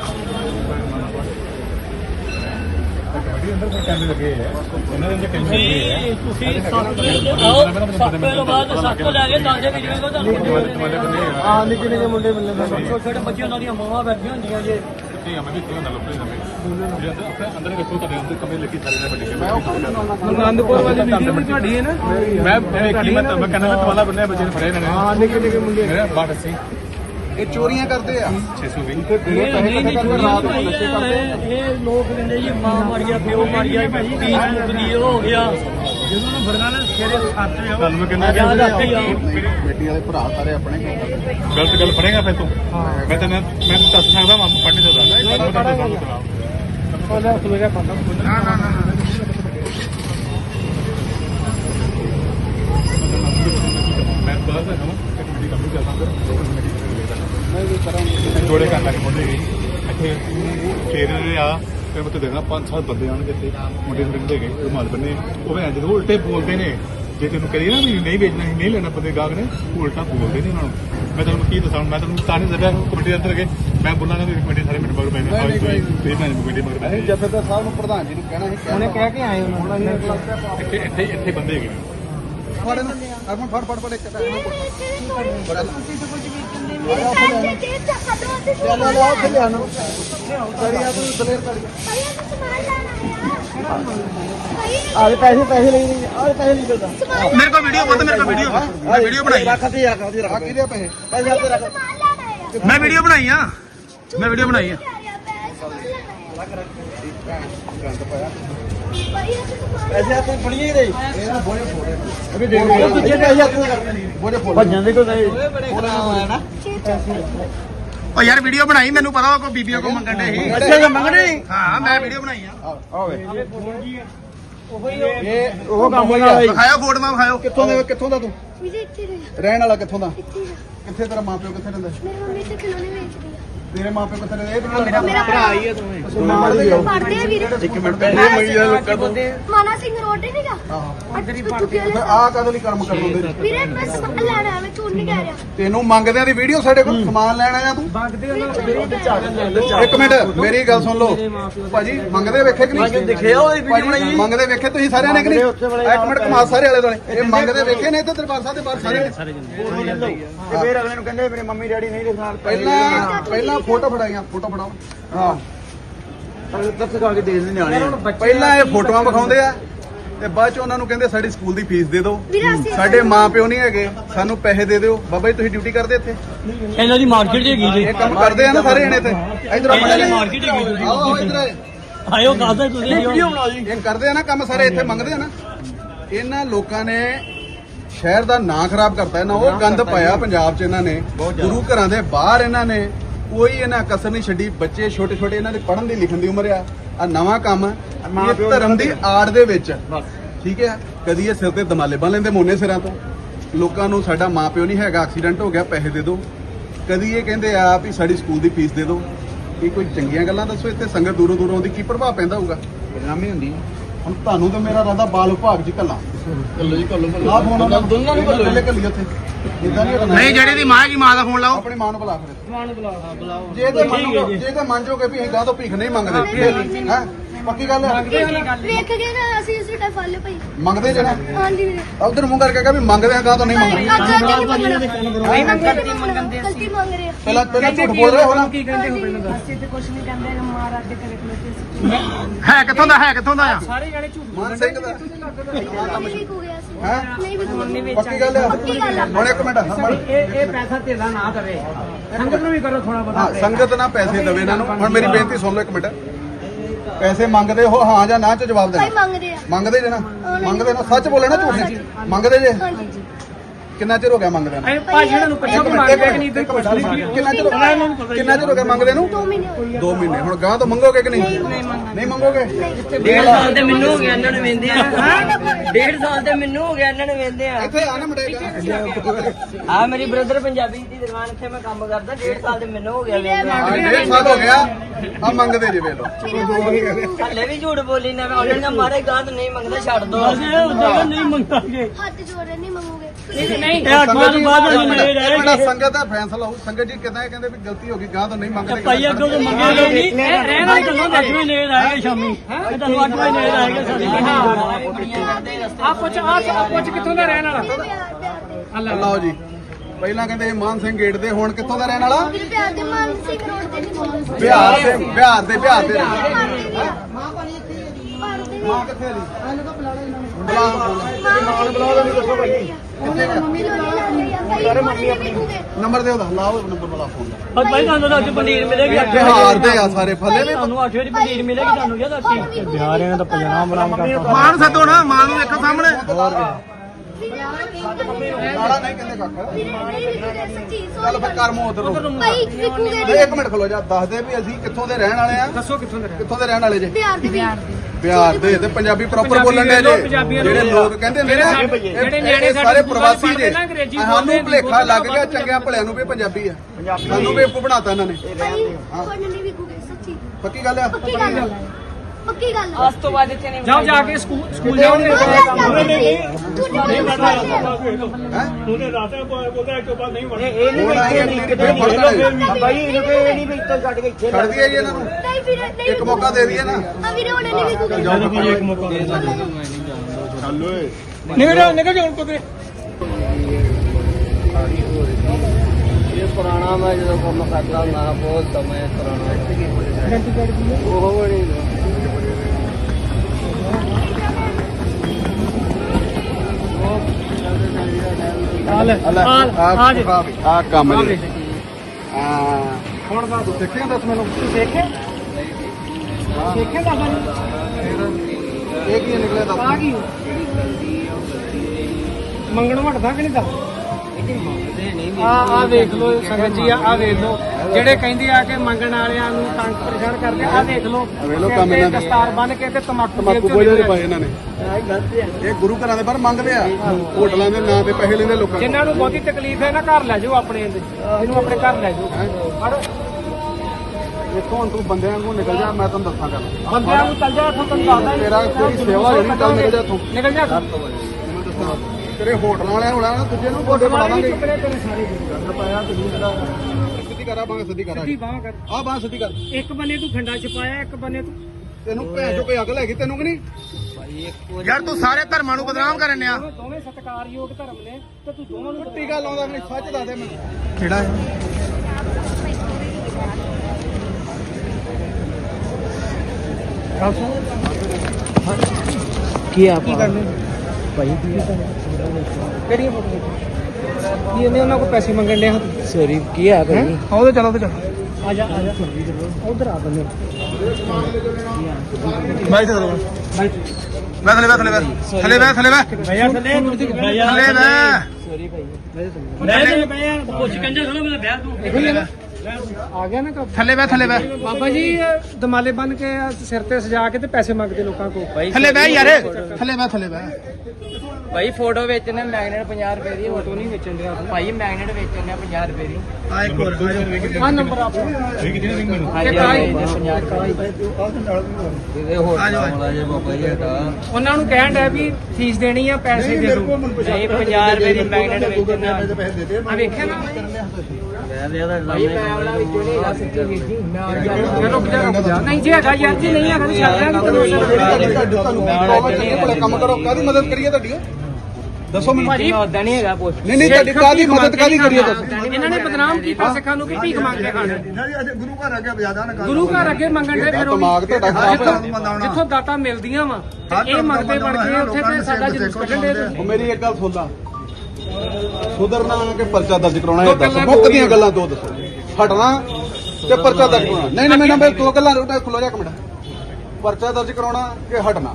S3: ਅੰਦਰ ਕੈਮਰੇ ਲੱਗੇ ਆ ਇਹਨਾਂ ਦੇ ਕੈਮਰੇ ਲੱਗੇ ਆ ਤੁਸੀਂ ਸੱਤ ਵਜੇ ਆਓ ਸੱਤ ਵਜੇ ਤੋਂ ਬਾਅਦ ਸੱਤ ਤੋਂ ਲੈ ਕੇ ਦਸ ਵਜੇ ਵੀਡੀਓ ਕੋ ਤੁਹਾਨੂੰ ਆ ਨਿੱਕੇ ਨਿੱਕੇ ਮੁੰਡੇ ਮਿਲਦੇ ਛੋਟੇ ਛੋਟੇ ਬੱਚੇ ਉਹਨਾਂ ਦੀਆਂ ਮਾਵਾਂ ਬੈਠੀਆਂ ਹੁੰਦੀਆਂ ਜੇ ਮੈਂ ਵੀ ਕਿਉਂ ਨਾ ਲੋਕਾਂ ਨਵੇਂ ਅੰਦਰ ਵੇਖੋ ਤੁਹਾਡੇ ਅੰਦਰ ਕਮਰੇ ਲੱਗੀ ਸਾਰੇ ਨੇ ਵੱਡੇ ਮੈਂ
S1: ਆਨੰਦਪੁਰ ਵਾਲੀ ਵੀਡੀਓ ਵੀ ਤੁਹਾਡੀ ਹੈ ਨਾ
S3: ਮੈਂ ਵੇਖੀ ਮੈਂ ਮੈਂ ਕਹਿੰਦਾ ਤਵਾਲਾ ਬੰਨਿਆ ਬੱਚੇ ਨੇ ਫੜੇ ਨੇ
S1: ਹਾਂ ਨਿੱਕੇ ਨਿੱਕੇ ਮੁੰਡੇ
S3: ਮੇਰਾ ਬਾਟ ਸੀ
S1: ਇਹ ਚੋਰੀਆਂ ਕਰਦੇ ਆ
S3: ਛੇ ਸੌ ਵੀਹ
S1: ਤੇ ਪੈਸੇ ਇਕੱਠੇ ਕਰਦੇ ਰਾਤ ਨੂੰ ਨਸ਼ੇ ਕਰਦੇ
S3: ਇਹ ਲੋਕ ਕਹਿੰਦੇ ਜੀ ਮਾਂ ਮਰ ਗਿਆ ਪਿਓ ਮਰ ਗਿਆ ਭਾਈ ਤੀਸ ਮੁਕਦੀ ਹੋ ਗਿਆ ਜਦੋਂ ਨੂੰ ਵਰਗਾ ਨਾ ਸਵੇਰੇ ਸੱਤ ਵਜੇ ਤੁਹਾਨੂੰ ਮੈਂ ਕਹਿੰਦਾ ਯਾਦ ਆ ਗਈ
S1: ਬੇਟੀ ਵਾਲੇ ਭਰਾ ਸਾਰੇ ਆਪਣੇ
S3: ਗਲਤ ਗੱਲ ਫੜੇਗਾ ਫਿਰ ਤੂੰ ਮੈਂ ਤਾਂ ਮੈਂ ਮੈਂ ਦੱਸ ਸਕਦਾ ਮੈਂ ਪੜ੍ਹਨੀ ਤੋਂ ਦੱਸ
S1: ਉਹਦਾ ਸੁਣੇਗਾ ਬੰਦਾ ਨਾ ਨਾ ਨਾ
S3: ਮੈਂ ਬਾਹਰ ਦਾ ਹਾਂ ਇੱਕ ਮਿੰਟ ਕੰਮ ਕਰ ਸਕਦਾ ਜੋੜੇ ਕਰ ਲਾਂਗੇ ਮੁੰਡੇ ਵੀ ਇੱਥੇ ਫੇਰ ਆ ਫਿਰ ਮੈਂ ਦੇਖਣਾ ਪੰਜ ਸੱਤ ਬੰਦੇ ਆਣਗੇ ਇੱਥੇ ਮੁੰਡੇ ਮੁੰਡੇ ਦੇ ਗਏ ਰੁਮਾਲ ਬੰਨੇ ਉਹ ਭੈਣ ਜਦੋਂ ਉਲਟੇ ਬੋਲਦੇ ਨੇ ਜੇ ਤੈਨੂੰ ਕਰੀਏ ਨਾ ਵੀ ਨਹੀਂ ਵੇਚਣਾ ਨਹੀਂ ਲੈਣਾ ਬੰਦੇ ਗਾਹਕ ਨੇ ਉਲਟਾ ਬੋਲਦੇ ਨੇ ਉਹਨਾਂ ਨੂੰ ਮੈਂ ਤੁਹਾਨੂੰ ਕੀ ਦੱਸਾਂ ਮੈਂ ਤੁਹਾਨੂੰ ਤਾਂ ਨਹੀਂ ਦੱਸਿਆ ਕਮੇਟੀ ਦੇ ਅੰਦਰ ਗਏ ਮੈਂ ਬੋਲਾਂਗਾ ਵੀ ਕਮੇਟੀ ਸਾਰੇ ਮਿੰਟ ਮਗਰ ਪੈਣੇ ਆਈ ਕੋਈ ਤੇ ਮੈਂ ਕਮੇਟੀ ਮਗਰ ਪੈਣੇ
S1: ਜਥੇਦਾਰ ਸਾਹਿਬ ਨੂੰ ਪ੍ਰਧਾਨ ਜੀ ਨੂੰ ਕਹਿਣਾ ਸੀ ਉਹਨੇ ਕਹਿ ਕੇ ਆਏ ਉਹਨਾਂ ਨੇ
S3: ਇੱਥੇ ਇੱਥੇ ਇੱਥੇ ਬੰਦੇ ਹੈਗੇ
S1: ਫੜਨ
S2: ਅਰਮਨ ਫੜ ਫੜ ਫੜ ਇੱਕ
S4: ਵੀਰੇ ਮੈਂ ਇੱਥੇ ਵੀ ਥੋੜੀ
S2: ਬੜਾ
S4: ਮੇਰੇ ਪੈਸੇ ਦੇ ਚੱਕਾ ਦੋ ਤੇ
S2: ਚੱਲ ਲੈ ਆ ਉੱਥੇ ਲਿਆਣਾ ਗੜੀਆਂ ਤੂੰ ਦਲੇਰ ਕਰ
S4: ਭਾਈ ਇਹ ਸਮਾਨ ਲੈਣਾ ਆ ਭਾਈ
S5: ਆਲੇ ਪੈਸੇ ਪੈਸੇ ਲਈ ਨਹੀਂ ਆਲੇ ਪੈਸੇ ਨਹੀਂ ਦਿੰਦਾ
S4: ਸਮਾਨ
S1: ਮੇਰੇ ਕੋਲ ਵੀਡੀਓ ਬੰਦ ਮੇਰੇ ਕੋਲ ਵੀਡੀਓ ਮੈਂ ਵੀਡੀਓ ਬਣਾਈ ਆ।
S5: ਰੱਖ ਤੇ ਰੱਖ ਤੇ ਰੱਖ
S2: ਆ ਕਿਹਦੇ ਪੈਸੇ
S5: ਪੈਸੇ ਆਪੇ ਰੱਖ
S4: ਸਮਾਨ ਲੈਣਾ ਆ
S1: ਮੈਂ ਵੀਡੀਓ ਬਣਾਈ ਆ ਮੈਂ ਵੀਡੀਓ ਬਣਾਈ ਆ
S5: ਪੈਸੇ ਆਪੇ ਫੜੀਏ ਦੇ
S2: ਇਹਨਾਂ ਬੋਲੇ ਫੋੜੇ
S5: ਅਭੀ ਦੇਖ ਲਓ ਦੂਜੇ ਪੈਸੇ ਆਪੇ ਰੱਖ
S2: ਬੋਲੇ ਫੋੜੇ
S5: ਭੱਜਣ ਦੇ ਕੋਈ ਨਹੀਂ
S1: ਓ ਯਾਰ ਵੀਡੀਓ ਬਣਾਈ ਮੈਨੂੰ ਪਤਾ ਉਹ ਕੋ ਬੀਬੀਓ ਕੋ ਮੰਗਣ ਦੇ ਸੀ
S5: ਅੱਛਾ ਜੇ ਮੰਗਣੇ ਨਹੀਂ
S1: ਹਾਂ ਮੈਂ ਵੀਡੀਓ ਬਣਾਈ ਆ
S2: ਆਵੇ ਇਹ ਉਹ ਕੰਮ
S5: ਹੋਇਆ ਬਈ।
S1: ਵਿਖਾਇਓ ਫੋਟੋਆਂ ਵਿਖਾਇਓ
S2: ਕਿੱਥੋਂ ਦੇ ਕਿੱਥੋਂ ਦਾ ਤੂੰ
S4: ਵੀਰੇ ਇੱਥੇ ਦੇ
S2: ਰਹਿਣ ਵਾਲਾ ਕਿੱਥੋਂ ਦਾ
S4: ਇੱਥੇ ਦਾ
S2: ਕਿੱਥੇ ਤੇਰਾ ਮਾਂ ਪਿਓ ਕਿੱਥੇ ਰਹਿੰਦਾ
S4: ਮੇਰੀ ਮੰਮੀ ਤੇ ਖਿਡੌਣੇ ਵੇਚਦੀ ਆ
S2: ਤੇਰੇ ਮਾਂ ਪਿਓ ਕਿੱਥੇ ਰਹਿੰਦੇ ਇਹ ਤੇਰਾ
S4: ਮੇਰਾ ਭਰਾ ਹੀ ਆ ਪੜਦੇ ਆ ਵੀਰੇ
S2: ਇੱਕ ਮਿੰਟ ਪਹਿਲੇ ਮਈ ਦਾ ਲੋਕਾਂ ਤੋਂ
S4: ਮਾਨਾ ਸਿੰਘ ਰੋਡ ਹੀ ਨਹੀਂਗਾ
S2: ਆਹੋ
S4: ਅੰਦਰ ਹੀ ਪੜਦੇ
S2: ਫਿਰ ਆਹ ਕਦੋਂ ਲਈ ਕਰਮ ਕਰ ਦਿੰਦੇ
S4: ਵੀਰੇ ਮੈਂ ਸਮਾਨ ਲੈਣਾ ਮੈਂ ਝੂਠ ਨਹੀਂ ਕਹਿ ਰਿਹਾ
S2: ਤੈਨੂੰ ਮੰਗਦਿਆਂ ਦੀ ਵੀਡੀਓ ਸਾਡੇ ਕੋਲ ਸਮਾਨ ਲੈਣ ਆਇਆ ਤੂੰ ਇੱਕ ਮਿੰਟ ਮੇਰੀ ਗੱਲ ਸੁਣ ਲਓ ਭਾਜੀ ਮੰਗਦੇ ਵੇਖੇ ਕਿ ਨਹੀਂ
S5: ਦਿਖਿਆ ਉਹਦੀ ਵੀਡੀਓ ਬਣਾਈ
S2: ਮੰਗਦੇ ਵੇਖੇ ਤੁਸੀਂ ਸਾਰਿਆਂ ਨੇ ਕਿ ਨਹੀਂ ਇੱਕ ਮਿੰਟ ਕਮਾਲ ਸਾਰੇ ਵਾਲੇ ਦੋਲੇ ਇਹ ਮੰਗਦੇ ਵੇਖੇ ਨੇ ਇੱਥੇ ਦਰਬਾਰ ਸਾਹਿਬ ਦੇ ਬਾਹਰ ਸਾਰੇ
S5: ਤੇ ਫਿਰ ਅਗਲੇ ਨੂੰ ਕਹਿੰਦੇ ਮੇਰੇ ਮੰਮੀ ਡੈਡੀ ਨਹੀਂ ਲਿਖਣਾ
S2: ਪਹਿਲਾਂ ਪਹਿਲਾਂ ਫੋਟੋ ਫੜਾਈਆਂ ਫੋਟੋ ਫੜਾਓ ਹਾਂ
S5: ਦੱਸ ਕਾ ਕੇ ਦੇ ਦਿੰਦੇ ਨਿਆਣੇ
S2: ਪਹਿਲਾਂ ਇਹ ਫੋਟੋਆਂ ਵਿਖਾਉਂਦੇ ਆ ਤੇ ਬਾਅਦ ਚ ਉਹਨਾਂ ਨੂੰ ਕਹਿੰਦੇ ਸਾਡੀ ਸਕੂਲ ਦੀ ਫੀਸ ਦੇ ਦਿਓ
S4: ਵੀਰੇ ਅਸੀਂ
S2: ਸਾਡੇ ਮਾਂ ਪਿਓ ਨਹੀਂ ਹੈਗੇ ਸਾਨੂੰ ਪੈਸੇ ਦੇ ਦਿਓ ਬਾਬਾ ਜੀ ਤੁਸੀਂ ਡਿਊਟੀ ਕਰਦੇ ਇੱਥੇ
S5: ਇਹਨਾਂ ਦੀ ਮਾਰਕੀਟ ਚ ਹੈਗੀ
S2: ਇਹ ਕੰਮ ਕਰਦੇ ਆ ਨਾ ਸਾਰੇ ਜਣੇ ਇੱਥੇ ਇਧਰ
S5: ਇਹਨਾਂ ਦੀ ਮਾਰਕੀਟ ਹੈਗੀ
S2: ਆਓ ਆਓ ਇਧਰ
S5: ਆਇਓ ਦੱਸਦੇ ਤੁਸੀਂ ਵੀਡੀਓ ਬਣਾਓ ਜੀ
S2: ਇਹ ਕਰਦੇ ਆ ਨਾ ਕੰਮ ਸਾਰੇ ਇੱਥੇ ਮੰਗਦੇ ਆ ਨਾ ਇਹਨਾਂ ਲੋਕਾਂ ਨੇ ਸ਼ਹਿਰ ਦਾ ਨਾਂ ਖਰਾਬ ਕਰਤਾ ਇਹਨਾਂ ਉਹ ਗੰਦ ਪਾਇਆ ਪੰਜਾਬ 'ਚ ਇਹਨਾਂ ਨੇ ਗੁਰੂ ਘਰਾਂ ਦੇ ਬਾਹਰ ਇਹਨਾਂ ਨੇ ਕੋਈ ਇਹਨਾਂ ਕਸਰ ਨਹੀਂ ਛੱਡੀ ਬੱਚੇ ਛੋਟੇ ਛੋਟੇ ਇਹਨਾਂ ਦੇ ਪੜ੍ਹਨ ਦੀ ਲਿਖਣ ਦੀ ਉਮਰ ਆ ਆ ਨਵਾਂ ਕੰਮ ਇਹ ਧਰਮ ਦੀ ਆੜ ਦੇ ਵਿੱਚ ਠੀਕ ਹੈ ਕਦੀ ਇਹ ਸਿਰ ਤੇ ਦਮਾਲੇ ਬੰਨ ਲੈਂਦੇ ਮੋਨੇ ਸਿਰਾਂ ਤੋਂ ਲੋਕਾਂ ਨੂੰ ਸਾਡਾ ਮਾਂ ਪਿਓ ਨਹੀਂ ਹੈਗਾ ਐਕਸੀਡੈਂਟ ਹੋ ਗਿਆ ਪੈਸੇ ਦੇ ਦਿਓ ਕਦੀ ਇਹ ਕਹਿੰਦੇ ਆ ਵੀ ਸਾਡੀ ਸਕੂਲ ਦੀ ਫੀਸ ਦੇ ਦਿਓ ਇਹ ਕੋਈ ਚੰਗੀਆਂ ਗੱਲਾਂ ਦੱਸੋ ਇੱਥੇ ਸੰਗਤ ਦੂਰੋਂ ਦੂਰੋਂ ਆਉਂਦੀ ਕੀ ਪ੍ਰਭਾਵ ਪੈਂਦਾ ਹੋਊਗਾ
S5: ਬਦਨਾਮੀ ਹੁੰਦੀ
S2: ਹੁਣ ਤੁਹਾਨੂੰ ਤਾਂ ਮੇਰਾ ਰਾਦਾ ਬਾਲ ਵਿਭਾਗ ਚ ਕੱਲਾ
S5: ਕੱਲੋ ਜੀ ਕੱਲੋ
S2: ਆ ਫੋਨ
S5: ਦੋਨਾਂ ਨੂੰ ਕੱਲੋ
S2: ਪਹਿਲੇ ਕੱਲੀ ਉੱਥੇ ਇਦਾਂ ਨਹੀਂ ਕਰਨਾ
S1: ਨਹੀਂ ਜਿਹੜੇ ਦੀ ਮਾਂ ਕੀ ਮਾਂ ਦਾ ਫੋਨ ਲਾਓ
S2: ਆਪਣੀ ਮਾਂ ਨੂੰ ਬੁਲਾ ਫਿਰ
S5: ਮਾਂ ਨੂੰ ਬੁਲਾਓ ਬੁਲਾਓ
S2: ਜੇ ਤੇ ਮੰਨੋ ਜੇ ਤੇ ਮੰਨ ਜਾਓਗੇ ਵੀ ਅਸੀਂ ਗਾਂ ਤੋਂ ਭੀਖ ਨਹੀਂ ਮੰਗਦੇ ਹੈ ਪੱਕੀ ਗੱਲ ਹੈ
S4: ਵੇਖ ਕੇ ਨਾ ਅਸੀਂ ਇਸ ਟਾਈਮ ਫੜ ਲਿਓ ਭਾਈ
S2: ਮੰਗਦੇ ਜਿਹੜਾ
S4: ਹਾਂਜੀ ਵੀਰੇ
S2: ਉਧਰ ਮੂੰਹ ਕਰਕੇ ਕਹਾਂ ਵੀ ਮੰਗਦੇ ਆ ਗਾਂ ਤੋਂ ਨਹੀਂ ਮੰਗਦੇ
S4: ਨਹੀਂ ਮੰਗਦੇ ਮੰਗਦੇ ਗਲਤੀ ਮੰਗ ਰਹੇ ਆ
S2: ਪਹਿਲਾਂ ਪਹਿਲਾਂ ਝੂਠ ਬੋਲ ਰਹੇ ਹੋ ਨਾ
S4: ਕੀ ਕਹਿੰਦੇ ਹੋ ਪਹਿਲਾਂ ਅਸੀਂ ਤੇ ਕੁਝ ਨਹੀਂ ਕਹਿੰਦੇ ਮਹਾਰਾਜ ਦੇ ਘਰੇ ਖਲੋਤੇ
S1: ਹੈ ਕਿੱਥੋਂ ਦਾ ਹੈ ਕਿੱਥੋਂ ਦਾ ਆ
S2: ਮਾਨ ਸਿੰਘ ਦਾ
S4: ਨਹੀਂ ਵੀ ਹੋ ਗਿਆ ਸੀ
S2: ਹੈ
S4: ਨਹੀਂ ਵੀ
S2: ਪੱਕੀ ਗੱਲ ਹੈ
S4: ਪੱਕੀ ਗੱਲ ਆ
S2: ਹੁਣ ਇੱਕ ਮਿੰਟ ਹਮੜ
S5: ਇਹ ਇਹ ਪੈਸਾ ਢੇਲਾ ਨਾ ਕਰੇ ਸੰਗਤ ਨੂੰ ਵੀ ਕਰੋ ਥੋੜਾ
S2: ਹਾਂ ਸੰਗਤ ਨਾ ਪੈਸੇ ਦੇਵੇ ਇਹਨਾਂ ਨੂੰ ਹੁਣ ਮੇਰੀ ਬੇਨਤੀ ਸੁਣ ਲਓ ਇੱਕ ਮਿੰਟ ਪੈਸੇ ਮੰਗਦੇ ਹੋ ਹਾਂ ਜਾਂ ਨਾ ਚ ਜਵਾਬ
S4: ਭਾਈ
S2: ਦੇਣਾ
S4: ਮੰਗਦੇ ਆ
S2: ਮੰਗਦੇ ਜੇ ਨਾ ਮੰਗਦੇ ਨਾ ਸੱਚ ਬੋਲੇ ਨਾ ਝੂਠ ਨਹੀਂ ਮੰਗਦੇ ਜੇ
S4: ਹਾਂਜੀ
S2: ਕਿੰਨਾ ਚਿਰ ਹੋ ਗਿਆ ਮੰਗਦੇ ਨੂੰ
S5: ਭਾਜੀ ਇਹਨਾਂ ਨੂੰ ਪੁੱਛੋ ਕਿ ਮੰਗਦੇ ਕਿ ਨਹੀਂ
S2: ਇੱਕ ਮਿੰਟ, ਕਿੰਨਾ ਚਿਰ ਹੋ ਗਿਆ ਕਿੰਨਾ ਚਿਰ ਹੋ ਗਿਆ ਮੰਗਦੇ ਨੂੰ
S4: ਦੋ ਮਹੀਨੇ ਹੋਏ
S2: ਦੋ ਮਹੀਨੇ ਹੁਣ ਗਾਂ ਤੋਂ ਮੰਗੋਗੇ ਕਿ ਨਹੀਂ ਨਹੀਂ ਮੰਗੋਗੇ
S6: ਡੇਢ ਸਾਲ ਤੇ ਮੈਨੂੰ ਹੋ ਗਿਆ ਇਹਨਾਂ ਨੂੰ ਵੇਂਦੇ ਆ ਡੇਢ ਸਾਲ ਤੇ ਮੈਨੂੰ ਹੋ ਗਿਆ ਇਹਨਾਂ ਨੂੰ ਵੇਂਦੇ ਆ
S2: ਇੱਥੇ ਆ ਨਾ ਮਟੇਗਾ
S6: ਆ ਮੇਰੀ ਬ੍ਰਦਰ ਪੰਜਾਬੀ ਦੀ ਦੁਕਾਨ ਇੱਥੇ ਮੈਂ ਕੰਮ ਕਰਦਾ ਡੇਢ ਸਾਲ ਤੇ ਮੈਨੂੰ ਹੋ ਗਿਆ ਵੇਂਦੇ ਆ
S2: ਆ ਡੇਢ ਸਾਲ ਹੋ ਗਿਆ ਆ ਮੰਗਦੇ ਜੇ ਵੇਖ ਲਓ
S6: ਹੱਲੇ ਵੀ ਝੂਠ ਬੋਲੀ ਨਾ ਮੈਂ ਉਹਨਾਂ ਨੇ ਮਾਰੇ ਗਾਂ ਨਹੀਂ ਮੰਗਦਾ ਛੱਡ ਦੋ
S5: ਨਹੀਂ ਮੰਗਾਂਗੇ
S4: ਹੱਥ ਜੋੜ ਰਹੇ ਨਹੀਂ ਮੰਗੋਗੇ
S5: ਨਹੀਂ ਇਹ ਅੱਠ ਮਾਹ ਤੋਂ ਬਾਅਦ ਅਸੀਂ ਨੇੜੇ ਰਹਿ
S2: ਬੜਾ ਸੰਗਤ ਦਾ ਫੈਸਲਾ ਹੋਊ ਸੰਗਤ ਜੀ ਕਿਦਾਂ ਕਹਿੰਦੇ ਵੀ ਗਲਤੀ ਹੋ ਗਈ ਗਾਂ ਤੋਂ ਨਹੀਂ ਮੰਗਦੇ
S5: ਭਾਈ ਅੱਗੋਂ ਤੋਂ ਮੰਗਿਆ ਨਹੀਂ ਰਹਿਣ ਵਾਲੇ ਤੁਹਾਨੂੰ ਅੱਠ ਵਜੇ ਨੇੜੇ ਆਏਗੇ ਸ਼ਾਮੀ ਇਹ ਤੁਹਾਨੂੰ ਅੱਠ ਵਜੇ ਨੇੜੇ ਆਏਗੇ ਸਾਡੀ
S6: ਆ ਪੁੱਛ ਆ ਪੁੱਛ ਕਿੱਥੋਂ ਦਾ ਰਹਿਣ ਵਾਲਾ
S2: ਲਓ ਜੀ ਪਹਿਲਾਂ ਕਹਿੰਦੇ ਮਾਨ ਸਿੰਘ ਗੇਟ ਦੇ ਹੁਣ ਕਿੱਥੋਂ ਦਾ ਰਹਿਣ ਵਾਲਾ
S4: ਵੀਰੇ ਪਿਆਰ ਦੇ ਮਾਨ ਸਿੰਘ ਰੋਡ ਤੇ ਨਹੀਂ
S2: ਬਿਹਾਰ ਦੇ ਬਿਹਾਰ ਦੇ ਬਿਹਾਰ ਦੇ ਮਾਂ ਕਿੱਥੇ ਦੀ ਬੁਲਾ ਮਾਂ ਬੁਲਾ ਦੇ ਦੱਸੋ ਭਾਈ
S4: ਮੰਮੀ ਲੋਰੀ ਮੰਮੀ ਆਪਣੀ
S2: ਨੰਬਰ ਦੇ ਉਹਦਾ ਲਾਓ ਨੰਬਰ ਵਾਲਾ ਫੋਨ
S5: ਪਰ ਭਾਈ ਤੁਹਾਨੂੰ ਅੱਜ ਪਨੀਰ ਮਿਲੇਗੀ ਅੱਠ
S2: ਬਿਹਾਰ ਦੇ ਆ ਸਾਰੇ ਫੱਲੇ ਵੀ
S5: ਤੁਹਾਨੂੰ ਅੱਠ ਵਜੇ ਪਨੀਰ ਮਿਲੇਗੀ ਤੁਹਾਨੂੰ ਕਿਹਾ ਦੱਸੀ ਬਿਹਾਰ ਇਹਨਾਂ ਦਾ ਪੰਜਾਬ ਬਰਾਮ ਕਰਤਾ
S1: ਮਾਂ ਨੂੰ ਸੱਦੋ ਨਾ ਮਾਂ ਨੂੰ ਵੇਖੋ ਸਾਹਮਣੇ
S2: ਨਾਲਾ ਨਹੀਂ ਕਹਿੰਦੇ ਕੱਖ ਚੱਲ ਫਿਰ ਕਰ ਮੂੰਹ ਉਧਰ ਨੂੰ
S4: ਭਾਈ ਵਿਕੂਗੇ
S2: ਨਹੀਂ ਇੱਕ ਮਿੰਟ ਖਲੋ ਜਾ ਦੱਸ ਦੇ ਵੀ ਅਸੀਂ ਕਿੱਥੋਂ ਦੇ ਰਹਿਣ ਵਾਲੇ ਆ ਦੱਸੋ ਕਿੱਥੋਂ ਦੇ ਕਿੱਥੋਂ ਦੇ ਰਹਿਣ ਵਾਲੇ ਜੇ
S4: ਬਿਹਾਰ ਦੇ ਬਿਹਾਰ
S2: ਬਿਹਾਰ ਦੇ ਤੇ ਪੰਜਾਬੀ ਪ੍ਰੋਪਰ ਬੋਲਣ ਦੇ ਜੇ ਜਿਹੜੇ ਲੋਕ ਕਹਿੰਦੇ ਨੇ ਨਾ ਜਿਹੜੇ ਨਿਆਣੇ ਸਾਰੇ ਪ੍ਰਵਾਸੀ ਜੇ ਸਾਨੂੰ ਭੁਲੇਖਾ ਲੱਗ ਗਿਆ ਚੰਗਿਆਂ ਭਲਿਆਂ ਨੂੰ ਵੀ ਪੰਜਾਬੀ ਆ ਸਾਨੂੰ ਬੇਵਕੂਫ ਬਣਾਤਾ ਇਹਨਾਂ ਨੇ
S4: ਭਾਈ ਕੋਈ ਨਹੀਂ ਵਿਕੂਗੇ ਸੱਚੀ
S2: ਪੱਕੀ ਗੱਲ ਆ
S4: ਪੱਕੀ ਗੱਲ ਆ ਪੱਕੀ ਗੱਲ ਆ
S6: ਉਸ ਤੋਂ ਬਾਅਦ ਇੱਥੇ ਨਹੀਂ
S5: ਜਾਓ ਜਾ ਕੇ ਸਕੂਲ ਸਕੂਲ ਜਾਓ
S2: ਹੈ
S5: ਉਹਨੇ ਰਾਤਾਂ ਬੋਲਦਾ ਕਿ ਬਾਅਦ ਨਹੀਂ ਵੜਨਾ
S6: ਇਹ ਨਹੀਂ
S2: ਹੁਣ ਆਏ
S6: ਵੇਚਦੇ
S2: ਕਿਤੇ ਫੜਨਾ
S6: ਬਾਈ ਇਹਨੂੰ ਕੋਈ ਨਹੀਂ ਵੇਚਦਾ ਛੱਡ ਕੇ ਇੱਥੇ
S2: ਛੱਡ ਦਈਏ ਜੀ ਇਹਨਾਂ ਨੂੰ
S4: ਨਹੀਂ ਵੀਰੇ ਨਹੀਂ
S2: ਇੱਕ ਮੌਕਾ ਦੇ ਦਈਏ ਨਾ
S4: ਆ ਵੀਰੇ ਉਹਨੇ ਨਹੀਂ ਵਿਕੂਗੇ
S5: ਇੱਕ ਮੌਕਾ
S2: ਚੱਲ ਓਏ
S5: ਨਿਕਲ ਨਿਕਲ ਜਾਓ ਕੋਤੇ
S6: ਪੁਰਾਣਾ ਮੈਂ ਜਦੋਂ ਕੰਮ ਕਰਦਾ ਹੁੰਦਾ ਬਹੁਤ ਸਮਾਂ ਪੁਰਾਣਾ
S4: ਆਇਡੈਂਟੀ ਕਾਰਡ ਕੀ ਹੈ
S6: ਉਹ ਬਣੀ
S5: ਹਾਲ ਹਾਲ ਆ ਜੀ
S2: ਆ ਕੰਮ
S5: ਆ
S2: ਜੀ
S5: ਵੇਖ
S2: ਹਾਂ ਹੁਣ ਦਾ ਤੂੰ ਸਿੱਖਿਆ ਦੱਸ ਮੈਨੂੰ
S4: ਤੂੰ ਦੇਖੇ ਦੇਖੇ ਦਾ ਬਣ
S2: ਇਹ ਕੀ ਨਿਕਲਿਆ ਦੱਸ
S4: ਆ ਗਈ ਮੰਗਣ ਵਟਦਾ ਕਿ ਨਹੀਂ ਦਾ ਆ ਆ ਵੇਖ ਲੋ ਸੰਗਤ ਜੀ ਆ ਆ ਵੇਖ ਲੋ ਜਿਹੜੇ ਕਹਿੰਦੇ ਆ ਕਿ ਮੰਗਣ ਵਾਲਿਆਂ ਨੂੰ ਤੰਗ ਪਰੇਸ਼ਾਨ ਕਰਦੇ ਆ ਵੇਖ ਲੋ
S2: ਵੇਖ ਲਓ ਕੰਮ ਇਹਨਾਂ ਦੇ।
S4: ਦਸਤਾਰ ਬੰਨ ਕੇ ਤੇ ਤਮਾਕੂ
S2: ਤਮਾਕੂ ਬੋਝੇ ਪਾਏ ਇਹਨਾਂ ਨੇ ਇਹ ਗੁਰੂ ਘਰਾਂ ਦੇ ਬਾਹਰ ਮੰਗਦੇ ਆ ਹੋਟਲਾਂ ਦੇ ਨਾਂ ਤੇ ਪੈਸੇ ਲੈਂਦੇ ਲੋਕਾਂ
S4: ਜਿਨ੍ਹਾਂ ਨੂੰ ਬਹੁਤੀ ਤਕਲੀਫ ਹੈ ਨਾ ਘਰ ਲੈ ਜਾਓ ਆਪਣੇ ਇਹਨੂੰ ਆਪਣੇ ਘਰ ਲੈ ਜਾਓ ਫੜ
S2: ਦੇਖੋ ਹੁਣ ਤੂੰ ਬੰਦਿਆਂ ਵਾਂਗੂ ਨਿਕਲ ਜਾ ਮੈਂ ਤੈਨੂੰ ਦੱਸਾਂ ਗੱਲ
S4: ਬੰਦਿਆਂ ਨੂੰ ਚੱਲ ਜਾ ਇੱਥੋਂ ਤੈਨੂੰ ਦੱਸਦਾ ਹੀ।
S2: ਤੇਰਾ ਤੇਰੀ ਸੇਵਾ ਜਿਹੜੀ ਚੱਲ ਨਿਕਲ ਜਾ ਤੂੰ
S4: ਨਿਕਲ ਜਾ
S2: ਤੇਰੇ ਹੋਟਲਾਂ ਵਾਲਿਆਂ ਹੋਣਾ ਦੂਜੇ ਨੂੰ ਗੋਡੇ ਪਾ ਦਾਂਗੇ
S4: ਚੁੱਕਣੇ ਤੇਰੇ ਸਾਰੇ
S2: ਗੱਲ ਪਾਇਆ ਤੁਸੀਂ ਜਿਹੜਾ ਸਿੱਧੀ ਕਰਾ ਬਾਂਹ ਸਿੱਧੀ ਕਰਾ
S4: ਸਿੱਧੀ ਬਾਂਹ ਕਰ
S2: ਆ ਬਾਂਹ ਸਿੱਧੀ ਕਰ
S4: ਇੱਕ ਬੰਨੇ ਤੂੰ ਖੰਡਾ ਛਪਾਇਆ ਇੱਕ ਬੰਨੇ ਤੂੰ
S2: ਤੈਨੂੰ ਭੈਣ ਚੋ ਕੋਈ ਅਕਲ ਹੈਗੀ ਤੈਨੂੰ ਕਿ ਨਹੀਂ
S1: ਯਾਰ ਤੂੰ ਸਾਰੇ ਧਰਮਾਂ ਨੂੰ ਬਦਨਾਮ ਕਰਨ ਆ
S4: ਦੋਵੇਂ- ਦੋਵੇਂ ਸਤਿਕਾਰਯੋਗ ਧਰਮ ਨੇ ਤੇ ਤੂੰ ਦੋਵਾਂ ਨੂੰ
S2: ਟੀਕਾ ਲਾਉਂਦਾ ਮੈਨੂੰ ਸੱਚ ਦੱਸ ਦੇ ਮੈਨੂੰ
S1: ਕਿਹੜਾ ਹੈ
S5: ਕੀ ਆ
S4: ਕੀ ਕਰਨੇ
S5: ਭਾਈ ਕੀ
S4: ਕਿਹੜੀਆਂ ਫੋਟੋ ਕੀ ਇਹਨੇ ਉਹਨਾਂ ਕੋਲ ਪੈਸੇ ਮੰਗਣ ਡਿਆ
S5: ਸੌਰੀ ਕੀ ਆ ਭਾਈ
S1: ਆਓ ਤੇ ਚਲੋ ਤੇ ਚਲੋ
S4: ਆ ਜਾ ਆ ਜਾ ਉਧਰ ਆ ਬੰਨੇ
S1: ਬਾਈ ਚਲੋ
S4: ਬਾਈ
S1: ਮੈਂ ਥੱਲੇ ਬੈ ਥੱਲੇ ਬੈ ਥੱਲੇ ਬੈ ਥੱਲੇ ਬੈ
S5: ਭਈਆ ਥੱਲੇ ਭਈਆ
S1: ਥੱਲੇ ਬੈ
S5: ਸੌਰੀ ਭਾਈ
S4: ਮੈਂ ਤੇ ਪਿਆ
S5: ਪੁੱਛ ਕੰਜੇ ਥੋੜਾ ਮੈਂ ਵਿਆਹ ਤੂੰ
S4: ਇਹੋ ਹੀ ਹੈ ਨਾ ਆ ਗਿਆ ਨਾ ਕੰਮ
S1: ਥੱਲੇ ਬੈ ਥੱਲੇ ਬੈ
S4: ਬਾਬਾ ਜੀ ਇਹ ਦਮਾਲੇ ਬੰਨ ਕੇ ਸਿਰ ਤੇ ਸਜਾ ਕੇ ਤੇ ਪੈਸੇ ਮੰਗਦੇ ਲੋਕਾਂ ਕੋਲ
S1: ਥੱਲੇ ਬੈ ਯਾਰ ਥੱਲੇ ਬੈ ਥੱਲੇ ਬੈ
S6: ਭਾਈ ਫੋਟੋ ਵੇਚਣੇ ਮੈਗਨੇਟ ਪੰਜਾਹ ਰੁਪਏ ਦੀ ਫੋਟੋ ਨਹੀਂ ਵੇਚਣ ਦਿਆ ਭਾਈ ਮੈਗਨੇਟ ਵੇਚਣੇ ਆ ਪੰਜਾਹ ਰੁਪਏ ਦੀ
S1: ਆ ਇੱਕ ਹੋਰ
S4: ਆ ਨੰਬਰ ਆਪਣਾ
S6: ਹਾਂਜੀ ਪੰਜਾਹ ਰੁਪਏ ਇਹਦੇ ਹੋਰ ਮਾਮਲਾ ਜੇ ਬਾਬਾ ਜੀ ਹਟਾ
S4: ਉਹਨਾਂ ਨੂੰ ਕਹਿਣ ਡਿਆ ਵੀ ਫੀਸ ਦੇਣੀ ਆ ਪੈਸੇ ਦੇ ਦਿਓ
S6: ਨਹੀਂ ਪੰਜਾਹ ਰੁਪਏ ਦੀ ਮੈਗਨੇਟ ਵੇਚਣੇ ਆ
S4: ਆ ਵੇਖਿਆ ਨਾ
S6: ਮੈਂ ਦੇ ਦਾ ਭਾਈ ਮੈਂ ਵਾਲਾ ਵਿੱਚੋਂ ਨਹੀਂ ਆ ਸੱਚੀ ਵੀਰ ਜੀ ਮੈਂ ਆ ਗਿਆ
S4: ਚਲੋ ਰੁਕ ਜਾ ਰੁਕ ਜਾ ਨਹੀਂ ਜੀ ਹੈਗਾ ਯਾਰ ਜੀ ਨਹੀਂ ਹੈਗਾ ਤਾਂ ਛੱਡ ਦਾਂਗੇ
S2: ਕੰਮ ਕਰੋ ਕਾਦੀ ਮਦਦ ਕਰੀਏ ਤੁਹਾਡੀ ਦੱਸੋ ਮੈਨੂੰ
S4: ਭਾਜੀ
S6: ਉਦਾਂ ਨਹੀਂ ਹੈਗਾ ਪੁੱਛ
S2: ਨਹੀਂ ਨਹੀਂ ਤੁਹਾਡੀ ਕਾਦੀ ਮਦਦ ਕਾਦੀ ਕਰੀਏ ਦੱਸੋ
S4: ਇਹਨਾਂ ਨੇ ਬਦਨਾਮ ਕੀਤਾ ਸਿੱਖਾਂ ਨੂੰ ਕਿ ਭੀਖ ਮੰਗ ਕੇ ਖਾਣੇ
S3: ਗੁਰੂ ਘਰ ਅੱਗੇ ਬਜਾਦਾ ਨਾ
S4: ਗੁਰੂ ਘਰ ਅੱਗੇ ਮੰਗਣ ਦੇ ਫਿਰ ਉਹ
S2: ਦਿਮਾਗ ਤੁਹਾਡਾ ਖਰਾਬ ਹੈ
S4: ਜਿੱਥੋਂ- ਜਿੱਥੋਂ ਦਾਤਾ ਮਿਲਦੀਆਂ ਵਾ ਇਹ ਮੰਗਦੇ ਬਣ ਕੇ ਉੱਥੇ ਤੇ ਸਾਡਾ ਜਲੂਸ ਕੱਢਣ ਦੇ
S2: ਉਹ ਮੇਰੀ ਇੱਕ ਗੱਲ ਸੁਣ ਲਾ ਸੁਧਰਨਾ ਕਿ ਪਰਚਾ ਦਰਜ ਕਰਾਉਣਾ ਇਹ ਦੱਸ ਮੁੱਕ ਦੀਆਂ ਗੱਲਾਂ ਦੋ ਦੱਸੋ ਹਟਣਾ ਤੇ ਪਰਚਾ ਦਰਜ ਕਰਾਉਣਾ ਨਹੀਂ ਨਹੀਂ ਮੈਨੂੰ ਦੋ ਗੱਲਾਂ ਰੋਟਾ ਖਲੋ ਜਾ ਇੱਕ ਮਿੰਟ ਪਰਚਾ ਦਰਜ ਕਰਾਉਣਾ ਕਿ ਹਟਣਾ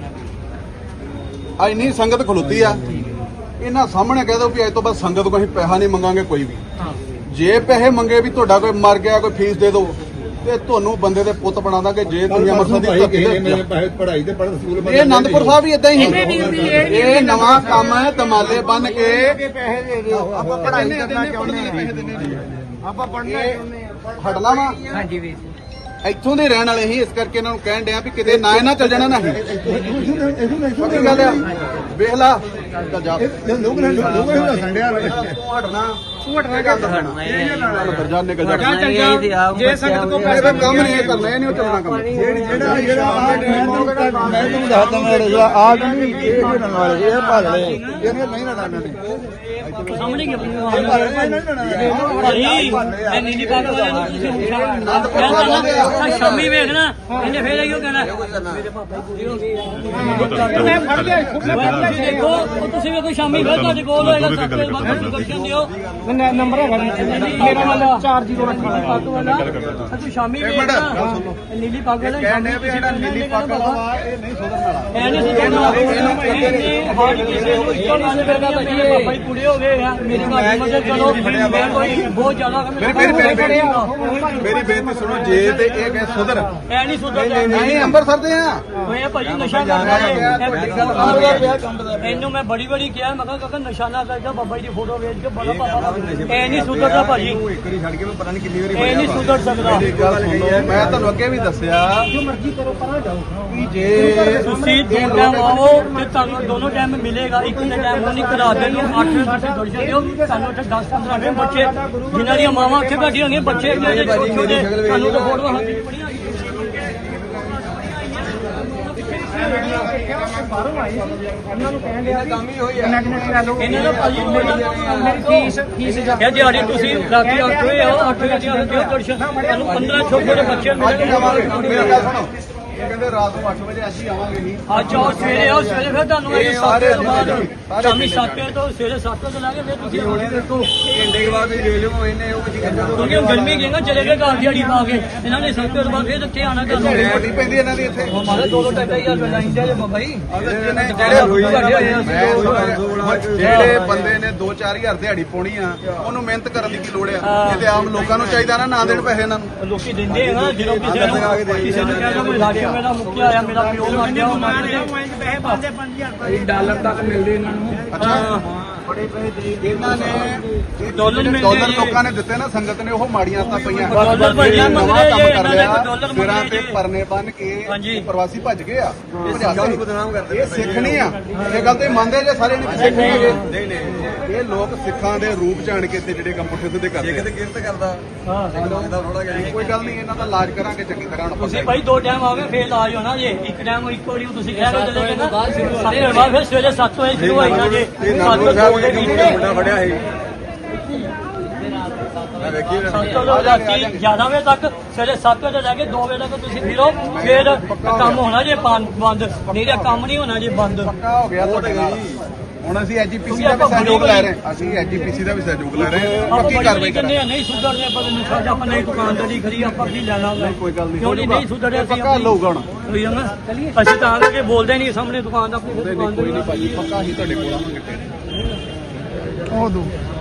S2: ਆ ਇੰਨੀ ਸੰਗਤ ਖਲੋਤੀ ਆ ਇਹਨਾਂ ਸਾਹਮਣੇ ਕਹਿ ਦੋ ਵੀ ਅੱਜ ਤੋਂ ਬਾਅਦ ਸੰਗਤ ਕੋਈ ਪੈਸਾ ਨਹੀਂ ਮੰਗਾਂਗੇ ਕੋਈ ਵੀ ਜੇ ਪੈਸੇ ਮੰਗੇ ਵੀ ਤੁਹਾਡਾ ਕੋਈ ਮਰ ਗਿਆ ਕੋਈ ਫੀਸ ਦੇ ਦਿਓ ਤੇ ਤੁਹਾਨੂੰ ਬੰਦੇ ਦੇ ਪੁੱਤ ਬਣਾ ਦਾਂਗੇ ਜੇ ਦੁਨੀਆ ਮਰਸਾ ਦੀ ਧਰਤੀ ਤੇ
S3: ਪੜ੍ਹਾਈ ਤੇ ਪੜ੍ਹ ਸਕੂਲ
S2: ਇਹ ਆਨੰਦਪੁਰ ਸਾਹਿਬ ਵੀ ਇਦਾਂ ਹੀ ਇਹ ਨਵਾਂ ਕੰਮ ਹੈ ਦਮਾਲੇ ਬੰਨ ਕੇ ਆਪਾਂ ਪੜ੍ਹਾਈ ਕਰਨਾ ਚਾਹੁੰਦੇ ਆ ਆਪਾਂ ਪੜ੍ਹਨਾ ਹਟਣਾ ਵਾ
S6: ਹਾਂਜੀ ਵੀਰ
S2: ਇੱਥੋਂ ਦੇ ਰਹਿਣ ਵਾਲੇ ਹੀ ਇਸ ਕਰਕੇ ਇਹਨਾਂ ਨੂੰ ਕਹਿਣ ਡਿਆ ਵੀ ਕਿਤੇ ਨਾ ਇਹਨਾਂ ਚੱਲ ਜਾਣਾ ਨਹੀਂ ਪੱਕੀ ਗੱਲ ਆ ਵੇਖ ਲਾ ਚੱਲ ਜਾ
S3: ਲੋਕ ਨੇ ਲੋਕ ਨੇ ਸੰਡਿਆ
S2: ਤੂੰ ਹਟਣਾ
S4: ਤੂੰ ਹਟਣਾ ਕਰ
S2: ਅੰਦਰ ਜਾ ਨਿਕਲ ਜਾ
S4: ਜਾ ਚੱਲ ਜਾ ਜੇ ਸੰਗਤ ਕੋ
S2: ਇਹ
S4: ਪੈਸੇ
S2: ਤਾਂ ਕੰਮ ਨਹੀਂ ਇਹ ਕਰਨਾ ਇਹ ਨਹੀਂ ਚੱਲਣਾ ਕੰਮ
S3: ਜਿਹੜਾ ਜਿਹੜਾ ਮੈਂ ਤੁਹਾਨੂੰ ਦੱਸਦਾ ਮੈਂ ਜਿਹੜਾ ਆ ਨਹੀਂ ਇਹ ਨਾਲ ਵਾਲੇ ਇਹ ਭਾਗ ਲੈ ਇਹਨੇ ਨਹੀਂ ਲੜਨਾ ਨੇ
S5: ਸਾਹਮਣੇ ਕੀ ਭਾਈ ਮੈਂ ਨੀਲੀ ਪੱਗ ਵਾਲੇ ਨੂੰ ਤੁਸੀਂ ਹੁਣ ਸ਼ਾਮੀ ਵੇਖਣਾ ਇਹਨੇ ਫੇਰ ਆਈਓ ਕਹਿਣਾ
S4: ਮੈਂ ਫੜ ਲਿਆ ਖੁਦ ਮੈਂ ਫੜ
S5: ਤੁਸੀਂ
S4: ਲਿਆ
S5: ਦੇਖੋ ਉਹ ਤੁਸੀਂ ਵੇਖੋ ਸ਼ਾਮੀ ਫੇਰ ਤੁਹਾਡੇ ਕੋਲ ਹੋਏਗਾ ਸੱਤੇ ਬਾਅਦ ਤੁਸੀਂ ਦਰਸ਼ਨ ਦਿਓ
S4: ਮੈਂ ਨੰਬਰ ਹੈਗਾ ਮੇਰਾ ਵਾਲਾ ਚਾਰ ਜ਼ੀਰੋ ਅੱਠ ਵਾਲਾ
S5: ਪੱਗ ਵਾਲਾ ਤੂੰ ਸ਼ਾਮੀ ਵੇਖਣਾ ਨੀਲੀ ਪੱਗ ਵਾਲਾ ਸ਼ਾਮੀ ਤੁਸੀਂ ਨੀਲੀ ਪੱਗ ਵਾਲਾ
S2: ਇਹ ਨਹੀਂ ਸੁਧਰਨ ਵਾਲਾ
S5: ਐ ਨਹੀਂ ਸੁਣਨਾ ਇਹਨੇ ਹਰ ਕਿਸੇ ਨੂੰ ਇੱਕੋ ਗੱਲ ਕਰਦਾ ਭਾਜੀ ਬਾਬਾ ਜੀ ਕੁੜੇ ਹੋ ਗਏ ਆ ਮੇਰੀ ਮਾਂ ਮਦਦ ਕਰੋ ਮੈਂ ਕੋਈ ਬਹੁਤ ਜ਼ਿਆਦਾ
S2: ਮੇਰੀ ਮੇਰੀ ਬੇਨਤੀ ਸੁਣੋ ਜੇ ਤੇ ਇਹ ਕਹੇ ਸੁਧਰ
S5: ਐ ਨਹੀਂ ਸੁਧਰਦਾ
S2: ਨਹੀਂ ਅੰਮ੍ਰਿਤਸਰ ਦੇ ਆ
S5: ਹੋਇਆ ਭਾਜੀ ਨਸ਼ਾ ਕਰਦਾ ਇਹ ਵੱਡੀ ਗੱਲ ਆ ਇਹਨੂੰ ਮੈਂ ਬੜੀ ਬੜੀ ਕਿਹਾ ਮੈਂ ਕਿਹਾ ਕਾਕਾ ਨਸ਼ਾ ਨਾ ਕਰਦਾ ਬਾਬਾ ਜੀ ਦੀ ਫੋਟੋ ਵੇਚ ਕੇ ਬੜਾ ਪਾਪਾ ਐ ਨਹੀਂ ਸੁਧਰਦਾ ਭਾਜੀ
S2: ਇੱਕ ਵਾਰੀ ਛੱਡ ਕੇ ਮੈਂ ਪਤਾ ਨਹੀਂ ਕਿੰਨੀ ਵਾਰੀ
S5: ਇਹ ਨਹੀਂ ਸੁਧਰ ਸਕਦਾ
S2: ਮੇਰੀ ਗੱਲ ਸੁਣੋ ਮੈਂ ਤੁਹਾਨੂੰ ਅੱਗੇ ਵੀ ਦੱਸਿਆ
S4: ਜੋ ਮਰਜ਼ੀ ਕਰੋ ਪਰਾਂ ਜਾਓ
S2: ਕਿ ਜੇ
S5: ਤੁਸੀਂ ਦੋ ਟਾਈਮ ਆਓ ਤੇ ਤੁਹਾਨੂੰ ਦੋਨੋਂ ਟਾਈਮ ਮਿਲੇਗਾ ਇੱਕ ਦੇ ਟਾਈਮ ਉਹ ਨਹੀਂ ਕਰਾ ਦੇਣੀ ਅੱਠ ਵਜੇ ਤੁਸੀਂ ਦਰਸ਼ਨ ਦਿਓ ਤੁਹਾਨੂੰ ਉੱਥੇ ਦਸ ਪੰਦਰਾਂ ਦੇ ਬੱਚੇ ਜਿਨ੍ਹਾਂ ਦੀਆਂ ਮਾਵਾਂ ਉੱਥੇ ਬੈਠੀਆਂ ਹੋਣਗੀਆਂ ਬੱਚੇ ਜਿਹੜੇ ਛੋਟੇ ਛੋਟੇ ਸਾਨੂੰ ਤਾਂ ਫੋਟੋਆਂ ਹੱਥ 'ਚ ਪੜੀਆਂ
S4: ਬਾਹਰੋਂ ਆਏ ਸੀ ਉਹਨਾਂ ਨੂੰ ਕਹਿਣ ਡਿਆ ਕੰਮ ਹੀ ਹੋਈ ਆ
S5: ਇਹਨਾਂ ਦਾ ਭਾਜੀ
S4: ਮੇਰੀ ਫੀਸ ਫੀਸ ਜਾ
S5: ਇਹ ਦਿਹਾੜੀ ਤੁਸੀਂ ਰਾਤੀ ਅੱਠ ਵਜੇ ਆਓ ਅੱਠ ਵਜੇ ਦਿਓ ਦਰਸ਼ਨ ਤੁਹਾਨੂੰ ਪੰਦਰਾਂ ਛੋਟੇ ਛੋਟੇ ਬੱਚੇ ਮਿਲਣਗੇ
S2: ਮੇਰੀ ਗੱਲ ਸੁਣੋ ਇਹ ਕਹਿੰਦੇ ਰਾਤ ਨੂੰ ਅੱਠ ਵਜੇ ਅਸੀਂ ਆਵਾਂਗੇ ਨਹੀਂ
S5: ਅੱਜ ਆਓ ਸਵੇਰੇ ਆਓ ਸਵੇਰੇ ਫਿਰ ਤੁਹਾਨੂੰ ਇਹ ਸੱਤ ਵਜੇ ਤੋਂ ਬਾਅਦ ਸ਼ਾਮੀ ਸੱਤ ਵਜੇ ਤੋਂ ਸਵੇਰੇ ਸੱਤ ਵਜੇ ਲਾਗੇ ਫਿਰ ਤੁਸੀਂ ਆਉਣੀ ਦੇਖੋ
S1: ਘੰਟੇ ਦੇ ਬਾਅਦ ਵੇਖ ਲਿਓ ਇਹਨੇ ਉਹ ਕੁਝ ਕਹਿੰਦਾ
S5: ਕਿਉਂਕਿ ਹੁਣ ਗਰਮੀ ਗਈ ਨਾ ਚਲੇ ਗਏ ਘਰ ਦਿਹਾੜੀ ਪਾ ਕੇ ਇਹਨਾਂ ਨੇ ਸੱਤ ਵਜੇ ਤੋਂ ਬਾਅਦ ਫਿਰ ਇੱਥੇ ਆਉਣਾ ਕਰਨਾ
S2: ਵੱਡੀ ਪੈਂਦੀ ਇਹਨਾਂ ਦੀ ਇੱਥੇ
S5: ਹਮਾਰਾ ਦੋ ਦੋ ਢਾਈ ਹਜ਼ਾਰ ਰੁਪਏ ਲਾਈਂਦਾ ਜੇ ਬਾਬਾ ਜੀ
S2: ਜਿਹੜੇ ਬੰਦੇ ਨੇ ਦੋ ਚਾਰ ਹਜ਼ਾਰ ਦਿਹਾੜੀ ਪਾਉਣੀ ਆ ਉਹਨੂੰ ਮਿਹਨਤ ਕਰਨ ਦੀ ਕੀ ਲੋੜ ਆ ਇਹ ਤੇ ਆਮ ਲੋਕਾਂ ਨੂੰ ਚਾਹੀਦਾ ਨਾ ਨਾ ਦੇਣ ਪੈਸੇ ਇਹਨਾਂ ਨੂੰ
S5: ਲੋਕੀ ਦਿੰਦੇ ਆ ਨਾ ਜਦੋਂ ਕਿਸੇ ਨੂੰ ਕਿਸੇ ਨੂੰ ਕਹਿੰਦਾ ਕੋਈ ਰਾਸ਼ਨ ਮੇਰਾ ਮੁੱਕਿਆ ਆਇਆ ਮੇਰਾ ਪਿਓ ਮਰ ਗਿਆ ਉਹ ਮਰ ਗਿਆ
S4: ਪੈਸੇ ਪਾਉਂਦੇ ਪੰਜ ਹਜ਼ਾਰ
S1: ਡਾਲਰ ਤੱਕ ਮਿਲਦੇ ਇਹਨਾਂ ਨੂੰ
S2: ਅੱਛਾ ਬੜੇ ਪੈਸੇ ਇਹਨਾਂ ਨੇ
S5: ਡਾਲਰ ਮਿਲਦੇ
S2: ਡਾਲਰ
S5: ਜੀ।
S2: ਲੋਕਾਂ ਨੇ ਦਿੱਤੇ ਨਾ ਸੰਗਤ ਨੇ ਉਹ ਮਾੜੀਆਂ ਆਦਤਾਂ ਪਈਆਂ
S5: ਡਾਲਰ ਭਾਈਆਂ
S2: ਇਹ ਨਵਾਂ
S5: ਮੰਗਦੇ
S2: ਕੰਮ
S5: ਜੇ,
S2: ਕਰ
S5: ਇਹਨਾਂ ਨੇ
S2: ਲਿਆ
S5: ਡਾਲਰ
S2: ਸਿਰਾਂ
S5: ਮੰਗਦੇ
S2: ਤੇ
S5: ਜੇ।
S2: ਪਰਨੇ ਬੰਨ ਕੇ
S5: ਹਾਂਜੀ।
S2: ਪ੍ਰਵਾਸੀ ਭੱਜ ਗਏ ਆ ਭਜਾਤੇ ਬਦਨਾਮ ਕਰਦੇ ਇਹ ਸਿੱਖ ਨਹੀਂ ਆ ਇਹ ਗੱਲ ਤੇ ਮੰਨਦੇ ਜੇ ਸਾਰੇ ਨੇ ਵੀ ਸਿੱਖ ਨਹੀਂ ਹੈਗੇ ਨਹੀਂ ਨਹੀਂ ਇਹ ਲੋਕ ਸਿੱਖਾਂ ਦੇ ਰੂਪ ਜਾਣ ਕੇ ਤੇ ਜਿਹੜੇ ਕੰਮ ਪੁੱਠੇ ਸਿੱਧੇ ਕਰਦੇ
S1: ਕਿਤੇ ਕਿਰਤ ਕਰਦਾ
S5: ਹਾਂ
S1: ਦਾ ਥੋੜਾ ਜਿਹਾ
S2: ਕੋਈ ਗੱਲ ਨਹੀਂ ਇਹਨਾਂ ਦਾ ਇਲਾਜ ਕਰਾਂਗੇ ਚੰਗੀ ਤਰ੍ਹਾਂ ਹੁਣ
S5: ਤੁਸੀਂ ਭਾਈ ਦੋ ਟਾਈਮ ਆਵੇ ਫੇਰ ਇਲਾਜ ਹੋਣਾ ਜੇ ਇੱਕ ਟਾਈਮ ਇੱਕੋ ਵਾਰੀ ਤੁਸੀਂ ਕਹਿ ਰਹੇ ਚਲੇ ਗਏ ਨਾ ਸਾਰੇ ਹਰਵਾ ਫਿਰ ਸਵੇਰੇ ਸੱਤ ਵਜੇ ਸ਼ੁਰੂ ਹੋਈ ਨਾ ਜੇ ਸੱਤ ਵਜੇ ਦੇ
S1: ਮੁੰਡਾ ਫੜਿਆ ਸੀ ਮੈਂ ਵੇਖੀ
S5: ਸੱਤ ਤੋਂ ਰਾਤੀ ਗਿਆਰਾਂ ਵਜੇ ਤੱਕ ਸਵੇਰੇ ਸੱਤ ਵਜੇ ਤੋਂ ਲੈ ਕੇ ਦੋ ਵਜੇ ਤੱਕ ਤੁਸੀਂ ਫਿਰੋ ਫਿਰ ਕੰਮ ਹੋਣਾ ਜੇ ਬੰਦ ਨਹੀਂ ਤਾਂ ਕੰਮ ਨਹੀਂ ਹੋਣਾ ਜੇ ਬੰਦ
S2: ਪੱਕਾ ਹੋ ਗਿਆ ਤੁਹਾਡੇ ਨਾਲ ਹੁਣ ਅਸੀਂ ਐਜੀਪੀਸੀ ਦਾ ਵੀ ਸਹਿਯੋਗ ਲੈ ਰਹੇ ਹਾਂ ਅਸੀਂ ਐਜੀਪੀਸੀ ਦਾ ਵੀ ਸਹਿਯੋਗ ਲੈ ਰਹੇ ਹਾਂ
S5: ਆਪਾਂ
S2: ਪੱਕੀ
S5: ਬੜੀ
S2: ਕਾਰਵਾਈ
S5: ਬੜੀ ਕਹਿੰਦੇ
S2: ਕਰਾਂਗੇ
S5: ਆ ਨਹੀਂ ਸੁਧਰਦੇ ਆਪਾਂ ਤੈਨੂੰ ਸਾਡਾ ਆਪਾਂ ਨਹੀਂ ਦੁਕਾਨਦਾਰੀ ਕਰੀ ਆਪਾਂ ਕੀ ਲੈਣਾ ਹੁੰਦਾ
S2: ਕੋਈ ਗੱਲ ਨਹੀਂ
S5: ਕਿਉਂ ਨਹੀਂ ਨਹੀਂ ਸੁਧਰਿਆ ਸੀ
S2: ਪੱਕਾ ਲਊਗਾ ਹੁਣ
S5: ਹੋਈ ਜਾਂਦਾ ਅਸੀਂ ਤਾਂ ਕਰਕੇ ਬੋਲਦੇ ਨਹੀਂ ਸਾਹਮਣੇ ਦੁਕਾਨ ਦਾ ਆਪਣੀ ਦੁਕਾਨ
S2: ਕੋਈ ਨਹੀਂ ਭਾਜੀ ਪੱਕਾ ਹੀ ਤੁਹਾਡੇ ਕੋਲ ਆਵਾਂਗੇ ਫਿਰ
S1: ਉਹ ਦੋ